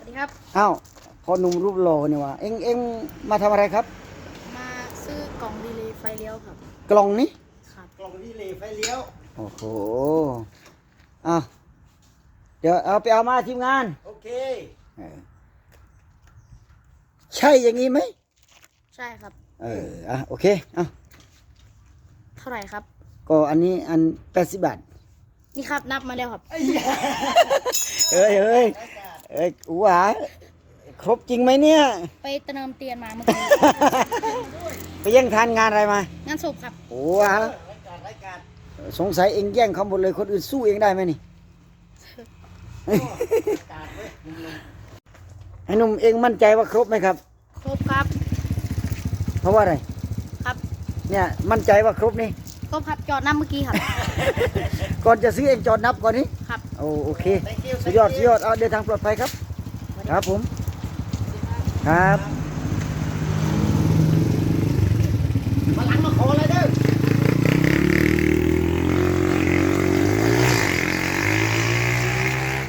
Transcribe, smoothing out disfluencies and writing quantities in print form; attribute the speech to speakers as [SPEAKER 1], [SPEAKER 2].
[SPEAKER 1] ดีครับ
[SPEAKER 2] อ้าวพอหนุ่มรูปหล่อนี่วะเอ็งมาทำอะไรครับ
[SPEAKER 1] มาซื้อกล่องดีเลย์ไฟเลี้ยวครับ
[SPEAKER 2] กล่องนี้
[SPEAKER 1] ครับ
[SPEAKER 2] กล่องดีเลย์ไฟเลี้ยวโอ้โหอ้าวเดี๋ยวเอาไปเอามาทีมงานโอเคใช่อย่างนี้ไหม
[SPEAKER 1] ใช่ครับ
[SPEAKER 2] โอเค
[SPEAKER 1] เท่าไหร่ครับ
[SPEAKER 2] ก็อันนี้อัน80 บาท
[SPEAKER 1] นี่ครับนับมาแล้วครับ
[SPEAKER 2] เอ้ยอูหวาครบจริงไหมเนี่ย
[SPEAKER 1] ไปเติมเตียนมาเมื่อกี้
[SPEAKER 2] ไปแย่งทานงานอะไรมาง
[SPEAKER 1] านศพครับ
[SPEAKER 2] โอ้วสงสัยเองแย่งเขาหมดเลยคนอื่นสู้เองได้ไหมนี่ ไอ้หนุ่มเองมั่นใจว่าครบไหมครับ
[SPEAKER 1] ครบครับ
[SPEAKER 2] เพราะว่าอะไร
[SPEAKER 1] ครับ
[SPEAKER 2] เนี่ยมั่นใจว่าครบนี่
[SPEAKER 1] ครบครับจอดน้ำเมื่อกี้ครับ
[SPEAKER 2] ก่อนจะซื้อเองจอดนับก่อนนี้
[SPEAKER 1] ครับ
[SPEAKER 2] โอเคสุดยอดเอาเดินทางปลอดภัยครับครับผมครับ